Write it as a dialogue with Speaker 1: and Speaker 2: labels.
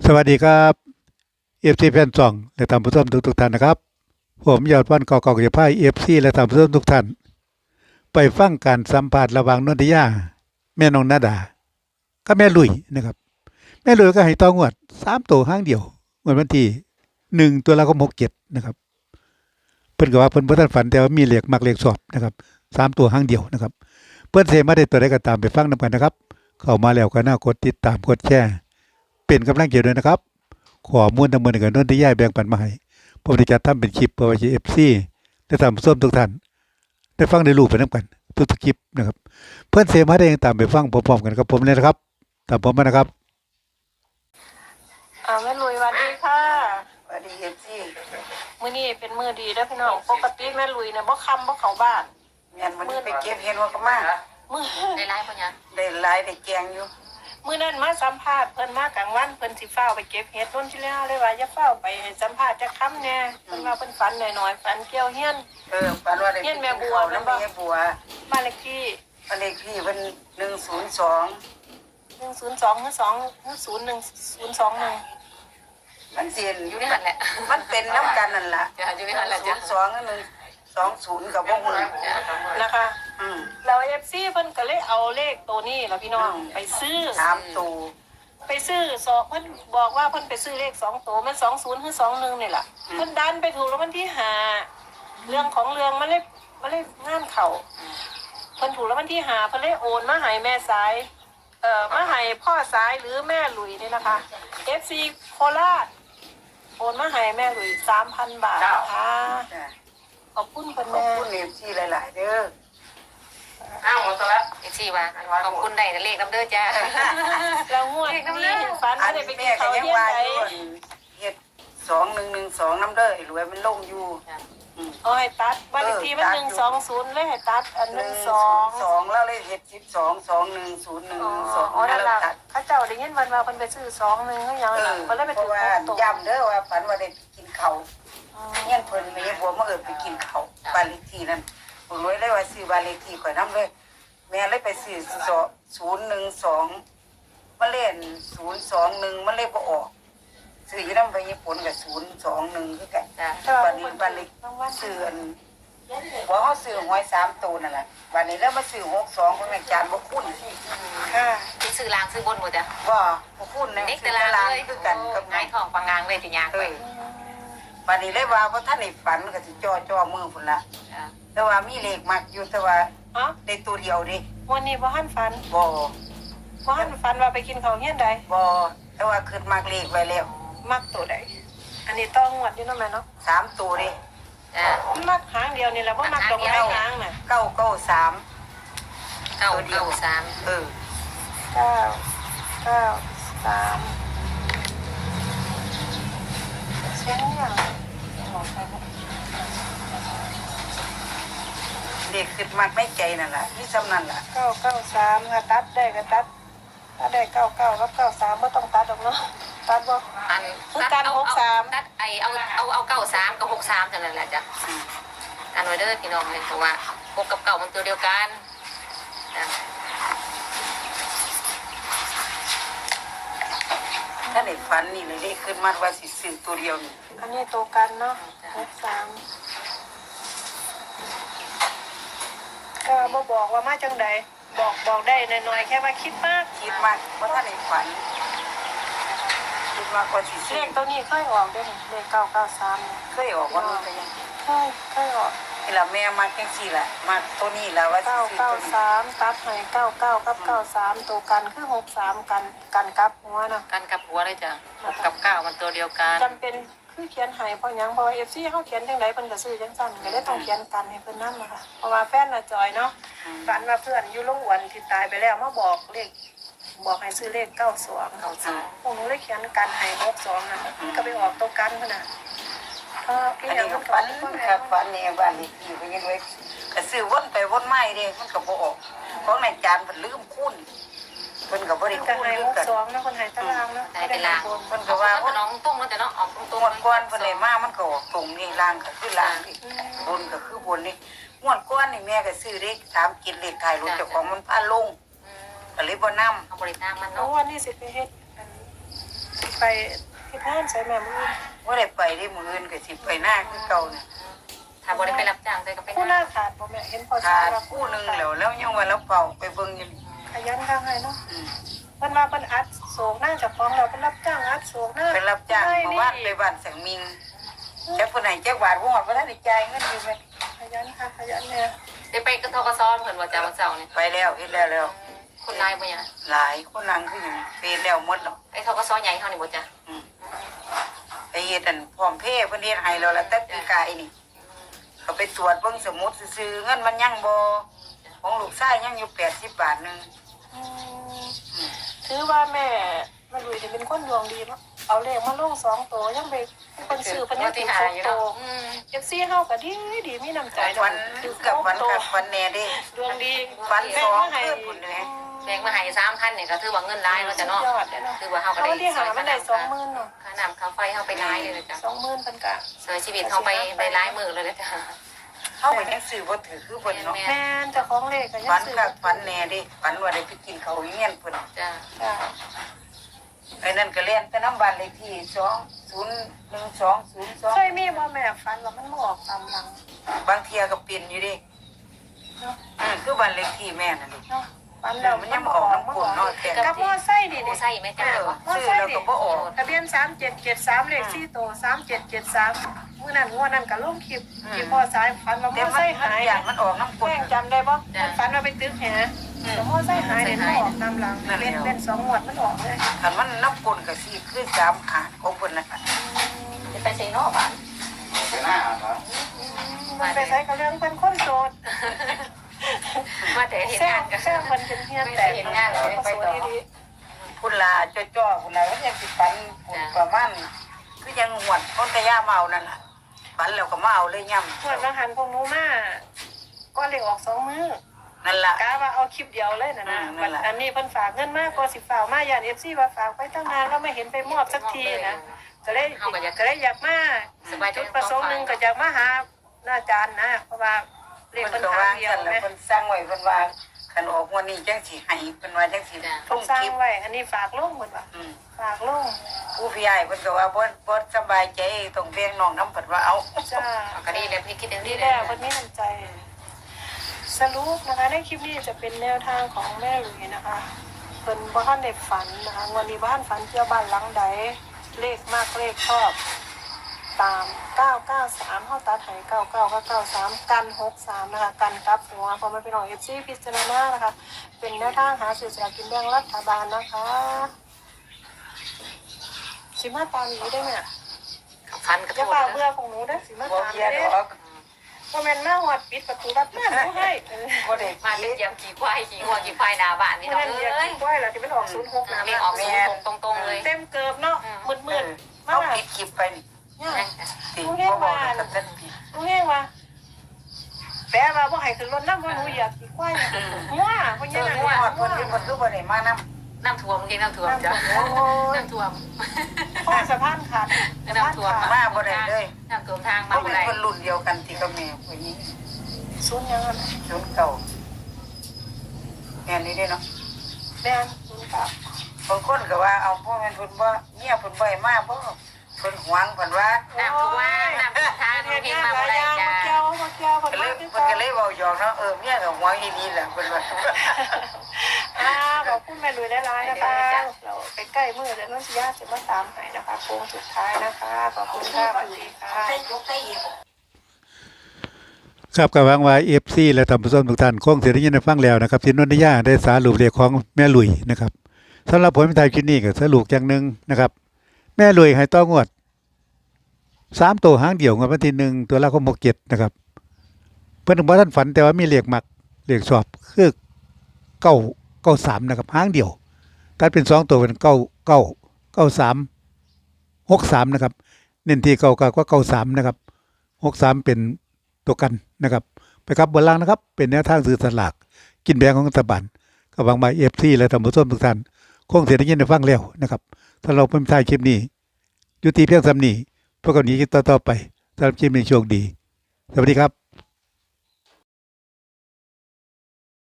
Speaker 1: สวัสดีครับเอฟซีแฟนซองและท่านผู้ชมทุกท่านนะครับผมยอดวันกอกจะพายเอฟซีและท่านผู้ชมทุกท่านไปฟังการสัมภาษณ์ระหว่างนนทิยาแม่น้องนาดาก็แม่ลุยนะครับแม่ลุยก็ให้ต้องวด3 ตัวห้างเดียววันที่1 ตุลาคม 67นะครับเพิ่นก็ว่าเพิ่นบ่ทันฝันแต่ว่ามีเลขมักเลขชอบนะครับ3 ตัวห้างเดียวนะครับเพิ่นสิมาได้ตัวใดก็ตามไปฟังนำกันนะครับเข้ามาแล้วก็น่ากดติดตามกดแชร์เป็นกำลังใจด้วยนะครับข้อมูลทั้งหมดก็นนทิยาแบ่งปันมาให้ผมได้จัดทำเป็นคลิปเพื่อไว้ให้ FC และท่านผู้ชมทุกท่านได้ฟังได้รู้ไปนำกันทุกๆคลิปนะครับเพิ่นสิมาได้ตามไปฟังพร้อมๆกันกับผมเลยนะครับตามผมมานะครับ
Speaker 2: แม่ลุยสวัสดีค่ะ
Speaker 3: สวัสดีเอฟซี
Speaker 2: มื้อนี้เป็นมื้อดีเด้อพี่น้องปกติแม่ลุยเนี่ยบ่ค่ำบ่เข้าบ้าน
Speaker 3: เงินมันไปเก็บเห็นว่าก็มา
Speaker 2: มื้อ
Speaker 4: ได้ไล่ปะเนี่ย
Speaker 3: ได้หลายได้แกงอยู่
Speaker 2: มื้อนั้นมาสัมภาษณ์เพิ่นมากลางวันเพิ่นสิฟ้าวไปเก็บเห็ดต้นที่แล้วเลยว่าอย่าฟ้าวไปให้สัมภาษณ์จักคำแน่เพิ่นว่าเพิ่นฝันหน่อยๆฝันเกี่ยวเฮียน
Speaker 3: ปานว่าได้
Speaker 2: เฮียนแม่บัว
Speaker 3: น้ำแม่บัว
Speaker 2: บ้านเลขที่
Speaker 3: บ้านเลขที่เพิ่น102
Speaker 2: 102หรือ2หรือ01021
Speaker 3: มันเสียน
Speaker 4: อยู่ในหันแหละ
Speaker 3: มันเป็นน้ำกันนั่นล่ะ
Speaker 4: จ้ะอยู่ในหันแหละจ้ะ
Speaker 3: 02กับ120กับบ่ฮู้
Speaker 2: นะคะ แล้ว FC เพิ่นก็เลยเอาเลขตัวนี้ล่ะพี่น้องไปซื้อ
Speaker 3: 3ตัว
Speaker 2: ไปซื้อสองเพิ่นบอกว่าเพิ่นไปซื้อเลข2 ตัวมัน20หรือ21นี่แหละเพิ่นดันไปถูกแล้ววันที่5เรื่องของเรื่องมันเลยงานเข่าเพิ่นถูกแล้ววันที่5เพิ่นเลยโอนมาให้แม่สายมาให้พ่อสายหรือแม่หลุยนี่นะคะ FC โคราชโอนมาให้แม่หลุย 3,000 บาทนะคะ
Speaker 3: จ้ะ
Speaker 2: ขอบคุณเพิ่น
Speaker 3: ขอบ
Speaker 2: แม่
Speaker 3: คุณเอฟซีหลายๆเด้อ
Speaker 4: อ้าวหมดตัวแล้วอีกสี่ว่าขอบคุณได้เลขน้ำเด้อจ้า
Speaker 2: แล้วงวดนี้ฝัน
Speaker 3: อั
Speaker 2: ว่าน ได้ไปกิ
Speaker 3: แม่
Speaker 2: น
Speaker 3: ก็
Speaker 2: ข้าว
Speaker 3: ยัง
Speaker 2: เที่ยง
Speaker 3: ว่า
Speaker 2: ไหน
Speaker 3: อยู่เฮ็ด2112น้ำเด้อไอ้รวยมันลงอยู่
Speaker 2: เอาให้ตัดบ้านเลขที่มัน120เลยให้ตัดอัน12
Speaker 3: 2แล้วเลยเฮ็ด12210112
Speaker 2: อ๋อนั่นล่ะเขาเจ้าได้ยินวันว่าเพิ่นไปซื้อ2-1ก็ยังล่ะเพิ่นเลยไป
Speaker 3: เพ
Speaker 2: ถึ
Speaker 3: ราะ
Speaker 2: ง
Speaker 3: ว่า
Speaker 2: ตัว
Speaker 3: ย้ำเด้อว่าฝันว่าได้กินข้าวเงี้ยเพิ่นแม่บัวมาไปกินข้าวบ้านเลขที่นั่นผมรวยเลยว่าซื้อบ้านเลขที่ข่อยนำเลยแม่เลยไปซื้อ012มาเล่น021มันเลยบ่ออกซื้ออยู่นำไปญี่ปุ่นก็021คือกัน
Speaker 4: จ้ะ
Speaker 3: บ้านนี้บ้านเลขซื้ออันบ่เฮาซื้อหวย3ตัวนั่นแหละบ้านนี้แล้วมาซื้อ62เพิ่นอาจารย์บ่คุ้น
Speaker 2: ค่ะ
Speaker 4: ที่ซื้อลางซื้อบนหมดจ้ะ
Speaker 3: บ่คุ้นนะ
Speaker 4: เด็ก
Speaker 3: ซื้
Speaker 4: ตา
Speaker 3: อ
Speaker 4: ราง
Speaker 3: ตาราง
Speaker 4: เลย
Speaker 3: คือกันกับ
Speaker 4: ง่ายทองปังงางเลยที่ยางไป
Speaker 3: บ้านนี้เลยว่าบ่ทันได้ฝันก็สิจ่อมือพุ่นละ
Speaker 4: จ้ะ
Speaker 3: แต่ว่ามีเลขมักอยู่แต่ว่า
Speaker 2: เอ้า
Speaker 3: ได้ตัวเดียวดิ
Speaker 2: วันนี้บ่ทันฝัน
Speaker 3: บ่
Speaker 2: บ่ทันฝันว่าไปกินข้าวเฮียนใด
Speaker 3: บ่แต่ว่าขึ้นมักเลขไว้แล้ว
Speaker 2: มักตัวใดอันนี้ต้องงวดอยู่เนาะแม่เนาะ
Speaker 3: 3ตัวดิ
Speaker 4: จ้ะ
Speaker 2: มักหางเดียวนี่แหละบ่มักดอกไม้หางน่ะ
Speaker 3: 993
Speaker 4: เก้าเก้าสาม
Speaker 3: เออ
Speaker 2: 9 9 3เสียงเนี่ย
Speaker 3: เลขขึ้นมักในใจนั่นล่ะมีซ้ำนั่นล่ะ
Speaker 2: 993ค่ะตัดได้ก็ตัดถ้าได้99กับ93บ่ต้องตัดดอกเนาะตัดบ่
Speaker 4: อัน
Speaker 2: คือการ63
Speaker 4: ตัดไอเอาเก้าสามกับ63เท่านั้นแหละจ้ะอันไว้เด้อพี่น้องเลยเพราะว่า6กับ9มันตัวเดียวกันจ้ะ
Speaker 3: ถ้าได้ฝันนี่เลยเลขขึ้นมักว่าสิซื้อตัวเดียวนี่
Speaker 2: อันนี้ตัวกันเนาะ63ก็บ่บอกว่ามาจังใดบอกได้น้อยๆแค่ว่าคิดมาก
Speaker 3: คิดมักว่าถ้าได้ฝันคิดมักว่าสิ
Speaker 2: เล
Speaker 3: ซื้อ
Speaker 2: ขตัวนี้เคยออกด้วยนี่เลข993เนี่ย
Speaker 3: เคยออกว่ามันก็ยัง
Speaker 2: เคยออก
Speaker 3: นี่ล่ะแม่มักจังซี่ล่ะมักตัวนี้ล่ะว่าสิซื้อตัวนี้
Speaker 2: 993ตัดให้99กับ93ตัวกันคือ63กันกับหัวเนาะ
Speaker 4: กันกับหัวเลยจ้ะ6กับ9มันตัวเดียวกัน
Speaker 2: จำเป็นคือเขียนให้เพราะหยังเพราะว่า FC เฮาเขียนจังไดเพิ่นก็ซื้อจังซั่นก็เลยต้องเขียนกันให้เพิ่นนำนะคะเพราะว่าแฟนน่ะจอยเนาะฝันว่าเพื่อนอยู่โรงอ้วนที่ตายไปแล้วมาบอกเลขบอกให้ซื้อเลข92 พวกหนูเลยเขียนกันให้62นั่นมันก็ไปออกตัวกันพุ่นน่ะอี
Speaker 3: อัน
Speaker 2: หยั
Speaker 3: นี้
Speaker 2: ง
Speaker 3: ก็
Speaker 2: มัน
Speaker 3: ฝัน
Speaker 2: ก็
Speaker 3: ครับฝันนี่บ้านเลขที่เพิ่นยังไว้ก็ซื้อวนไปวนมาเด้มันก็บ่ออกของนายจานเพิ่นลืมคูณเพิ่นก็บ่ได้
Speaker 2: ก็
Speaker 3: คูณ
Speaker 2: ให้
Speaker 3: คือกัน
Speaker 2: 62นะคนให้ตารางเนาะ
Speaker 4: ได้เป็นลาง
Speaker 3: เพิ่นก็ว่า
Speaker 4: ว่าน้องตุ้งแล้วแต่น้องออกตุ้ง
Speaker 3: งวดก่อนเพิ่นได้มามันก็ออกตรงนี่ล่างก็คือล่างนี่บนก็คือบนนี่งวดก่อนนี่แม่ก็ซื้อเลข3กินเลขท้ายรถเจ้าของมันพาลงก็เลยบ่นำ
Speaker 4: เอาบริตามมัน
Speaker 2: น้อง
Speaker 4: เนาะ
Speaker 2: วันนี้สิไปเฮ็ดอันไปที่บ้านใส่แม่มือ
Speaker 3: ว่าได้ไปได้มืออื่นก็สิไปหน้าคือเก่าเนี่ย
Speaker 4: ถ้าบ่ได้ไปรับจ้างใส่ก็ไป
Speaker 2: ผู้หน้าขาดบ่แม่เห็นพอ
Speaker 3: ขา
Speaker 2: ใช้
Speaker 3: ด
Speaker 2: ว่า
Speaker 3: คู่หนึงแล้วยังว่าเราเป่าไปเบิ่งอยู่นี่
Speaker 2: ขยันข้างให้เนาะ
Speaker 3: อืม
Speaker 2: เพิ่นว่าเพิ่นอัดโศกหน้าจากของเราเพิ่นรับจ้างอัดโศกหน้า
Speaker 3: ไปรับจ้างเมื่อวานไปบ้านสังมิงจักผู้ไหนจักบาทบ่ฮอดบ่ทันได้จ่ายเงินอยู่แม่
Speaker 2: ขยันค่ะขยันเนี่ย
Speaker 4: ได้ไปกระทกสเพิ่นว่าจะวันเสาร์นี่
Speaker 3: ไปแล้วเฮ็ดแล้ว
Speaker 4: คนนายบ่ยัง
Speaker 3: หลายคนนั่งคือหยังเฮ็ดแล้วหมดแล้ว
Speaker 4: ไอ้ทกสใหญ่เฮานี่บ่จ้ะ
Speaker 3: ไปเฮ็ดอันพร้อมเพย์เพิ่นเฮ็ดให้แล้วล่ะแต่ปีกายนี่เขาไปตรวจเบิ่งสมุดซื่อๆเงินมันยังบ่ของลูกชายยังอยู่80 บาทนึง
Speaker 2: อืมถือว่าแม่มาลุยจะเป็นคนดวงดีเนาะเอาเลขมาลง2ตัวยังไปเพิ่นซื้อเพิ่นยังถือ2ตัว FC เฮาก็ดีมีน้ำใจ
Speaker 3: วันกับวันกับวันแน่เด้
Speaker 2: ดวงดี
Speaker 3: วัน
Speaker 2: แม่
Speaker 3: สอง
Speaker 2: มาให้
Speaker 3: คืนพุ่นแหละ
Speaker 4: แบ่งมาให้3,000เนี่ยก็ถือว่าเงินหลายเนาะจ้ะเนาะ
Speaker 2: ยอดเลยเนาะ
Speaker 4: ถือว่าเฮาก็
Speaker 2: เขา
Speaker 4: ได้
Speaker 2: ที่หามันได้20,000เนาะ
Speaker 4: ค่าน้ำค่าไฟเฮาไปหลายเลยนะจ้ะ
Speaker 2: 20,000เพิ่นก็
Speaker 4: เสียชีวิตเฮาไปได้หลายมื้อเลยนะจ้ะ
Speaker 3: เฮาก็ยังซื้อบ่ถือคือเพิ่นเนาะ
Speaker 2: แม่นเจ้าของเลขก็ยัง
Speaker 3: ฝัน
Speaker 2: ซื้อ
Speaker 3: กับฝันแน่เดิฝันว่าได้ไปกินข้าวเงี้ยนเพิ่น
Speaker 4: จ้ะ
Speaker 2: จ้ะ
Speaker 3: ไอ้นั่นก็เล่นแต่น้ำบ้านเลขที่201202
Speaker 2: เคยมีบ่แม่ฝันว่ามันมาออกตามหลัง
Speaker 3: บางเที่ยก็เป็นอยู่เดิ
Speaker 2: เนาะ
Speaker 3: คือบ้านเลขที่แม่นั่นดิ
Speaker 2: เนาะฝันแล้ว
Speaker 3: มันยังบ่ออกน้ำกลนเนาะแต่
Speaker 2: กับมอไซค์ดิ
Speaker 4: โอ้ใส่แม่จ้ะ
Speaker 3: ซื้อแล้วก็บ่ออก
Speaker 2: ทะเบียน3773เลข4ตัว3773มื้อนั้นงวดนั้นก็ลงคลิปที่พ่อสายฝันว่าม
Speaker 3: แต่
Speaker 2: อ
Speaker 3: มั
Speaker 2: ไซ
Speaker 3: น
Speaker 2: ค์หาย
Speaker 3: อย่างมันออกน้ำกล
Speaker 2: แม่
Speaker 3: น
Speaker 2: งจำได้บ่มันฝันว่าไปตึกแหแต่มอไซค์หายเนี่ยมันออกตามหลังเป็น2งวดมันออกเลย
Speaker 3: คันมันน้ำกลนก็สิคือ3ขาดของเพิ่นน่ะ
Speaker 4: จะไปใส่นอกบ้าน
Speaker 2: มันไปใช้กับเรื่องเป็นคนโสด
Speaker 4: มาแต่เห็น
Speaker 2: แซ่
Speaker 4: งา
Speaker 2: บ
Speaker 4: นกัน
Speaker 2: แซ่บมันเป็นเฮียแต่
Speaker 4: เห็นงานเลยไปต่อ
Speaker 3: พุ่นลาจ้อๆพุ่นน่ะมันยังสิฝันพุ่นประมาณคือยังหวดคนกะย่าเมานั่นล่ะฝันแล้วก็มาเอาเลยย่ำ
Speaker 2: เมื่อวันหันพวกหนูมาก็เลยออก2 มื้อ
Speaker 3: นั่นล่ะ
Speaker 2: กะว่าเอาคลิปเดียวเลยนะ
Speaker 3: นั่นแหละ
Speaker 2: อันนี้เพิ่นฝากเงินมากกว่า10ฝากมาอย่าง FC ว่าฝากไปตั้งนานแล้วไม่เห็นไปมอบสักทีนะก็เลยอยากมาจุดประสงค์หนึงก็อยากมาหาอาจารย์นะเพราะว่าเลข
Speaker 3: เพิ่น
Speaker 2: เพิ่น
Speaker 3: ก็
Speaker 2: หาว
Speaker 3: าง
Speaker 2: เดียว
Speaker 3: กันแล้ว
Speaker 2: แม่
Speaker 3: เพิ่นสั่งไว้เพิ่นว่าคันออกวันนี้จังสิให้เพิ่นว่าจังสิ
Speaker 2: เพิ่นสร้างไว้อันนี้ฝากลงหมดว่า
Speaker 3: อืม
Speaker 2: ฝากลง
Speaker 3: ผู้พี่ใหญ่เพิ่นก็ว่าบ่สบายใจต้องแบ่งน้องน้ำเพิ่นว่าเอา
Speaker 2: จ้า
Speaker 4: ก็ดีแล้วพี่คิดอย่าง
Speaker 2: นี่
Speaker 4: นี้
Speaker 2: แห
Speaker 4: แล้
Speaker 2: ละ
Speaker 4: ว
Speaker 2: วันนี้น้ำใจ สรุปนะคะในคลิปนี้จะเป็นแนวทางของแม่หลุยนะคะเป็นบ้านในฝันนะคะวันนี้บ้านฝันเที่ยวบ้านหลังใดเลขมากเลขชอบตาม993เข้าตัดไห99ก็93กัน63นะคะกันกลับหัวพอมันเป็นของ FC พิจารณานะคะเป็นแนวทางหาสื่อสลากกินแบ่งรัฐบาลนะคะสิมาตามนี้ได้ไหมอะ
Speaker 4: ฟันกระ
Speaker 2: อย่า
Speaker 4: โด
Speaker 2: เป่า
Speaker 4: ด
Speaker 2: เบื่อของหนูได้อสิมา
Speaker 3: บ่
Speaker 2: ตาม
Speaker 3: เพีย
Speaker 2: นี้
Speaker 3: ด
Speaker 2: เด้
Speaker 3: อก
Speaker 2: พอแม่นมาหอดปิดประตูรับบ้านหนูให้
Speaker 3: บ่ได้
Speaker 4: มาเป็นเยี่ยมขี่ควายขี่หัวขี่ควายหน้าบ้านนี่
Speaker 2: เมื่อ
Speaker 4: น้อง
Speaker 2: นั้นอยาก
Speaker 4: เอ้ย
Speaker 2: กินกล้วยแล้วที่มันออก06นะ
Speaker 4: มีออกสูงตรงๆเลย
Speaker 2: เต็มเกิบเนาะมืดๆมา
Speaker 3: เอา
Speaker 2: ก
Speaker 3: ปิดคลิปไปนี่
Speaker 2: เนี่ย
Speaker 3: ติบ่บอกกับท่านผิด
Speaker 2: รู้แห้งว่าแปลว่าบ่ให้ขึ้นรถน้ำว่าหนูอยากกินกล้วยมั่วเพราะ
Speaker 3: เจ
Speaker 2: งั้
Speaker 3: อน
Speaker 2: น่ะ
Speaker 3: ผู้ฮอดเพิ่นอยู่เพิ่นคือบ่ได้มานำ
Speaker 4: น้ำท่วมจริงน้ำท่วมจ้ะน้ำท่วม
Speaker 2: พ่อสะพานขาดสะพานขาด
Speaker 3: มาบ่ได้เลย
Speaker 4: น้ำท่วมทางมา
Speaker 3: เขา
Speaker 4: บ่
Speaker 3: เป็น
Speaker 4: ได้
Speaker 3: คนรุ่นเดียวกันที่กับแม่ผู้หญิง
Speaker 2: ศูนย์ยังไง
Speaker 3: รุ่นเก่าแม่นี่เด้เนาะ
Speaker 2: แม่นศูนย์เก้า
Speaker 3: บางคนก็ว่าเอาพ่อแม่นเพิ่นบ่เมียเพิ่นบ่ให้มาบ่เพิ่นหวงเพิ่นว่า
Speaker 4: น้ำท่วมน้ำท่วมทาง
Speaker 2: เฮ็ด
Speaker 4: เพียง
Speaker 2: งาน
Speaker 4: มา
Speaker 2: หลาย
Speaker 4: บ่
Speaker 2: อ
Speaker 4: ได้
Speaker 2: ย่าง
Speaker 4: จ้ะ
Speaker 2: มาเกี่ยวเพิ่น
Speaker 3: ก็เลย
Speaker 2: มา
Speaker 3: เพิ่นก็เลยเว้าหยอกเนาะเมียก็หวงอีนี่แหละเพิ่นว่า
Speaker 2: ขอบคุณแม่ลุยได้ร้ายนะคะเราไปใกล้มือแล้วน้องสิยาจะมาตามให้นะคะโค้งสุดท้ายนะคะขอบคุณค่ะสวัสดีค่ะ
Speaker 1: ครับกับหวังว่า FC และท่านผู้ชมทุกท่านคงสิได้ยินได้ฟังแล้วนะครับที่นนทยาได้สรุปเลขของแม่ลุยนะครับสำหรับผลไทยคลิปนี้ก็สรุปอย่างหนึงนะครับ แม่ลุยให้ต้องวด3ตัวหางเดียวงวดวันที่1ตัวละก็67นะครับเพิ่นบ่ทันฝันแต่ว่ามีเลขมักเลขชอบคือ993นะครับหางเดียวถ้าเป็น2ตัวเป็น999363นะครับเน้นที่เก้าก็93นะครับ63เป็นตัวกันนะครับไปครับบนล่างนะครับเป็นแนวทางซื้อสลากกินแบ่งของรัฐบาลก็หวังว่า FC และท่านผู้ชมทุกท่านคงสิได้ยินได้ฟังแล้วนะครับถ้าเราเพิ่มท้ายคลิปนี้ยุติเพียงส่ำนี้พวกเรานี้ต่อไปสำหรับคลิปนี้โชคดีสวัสดีครับ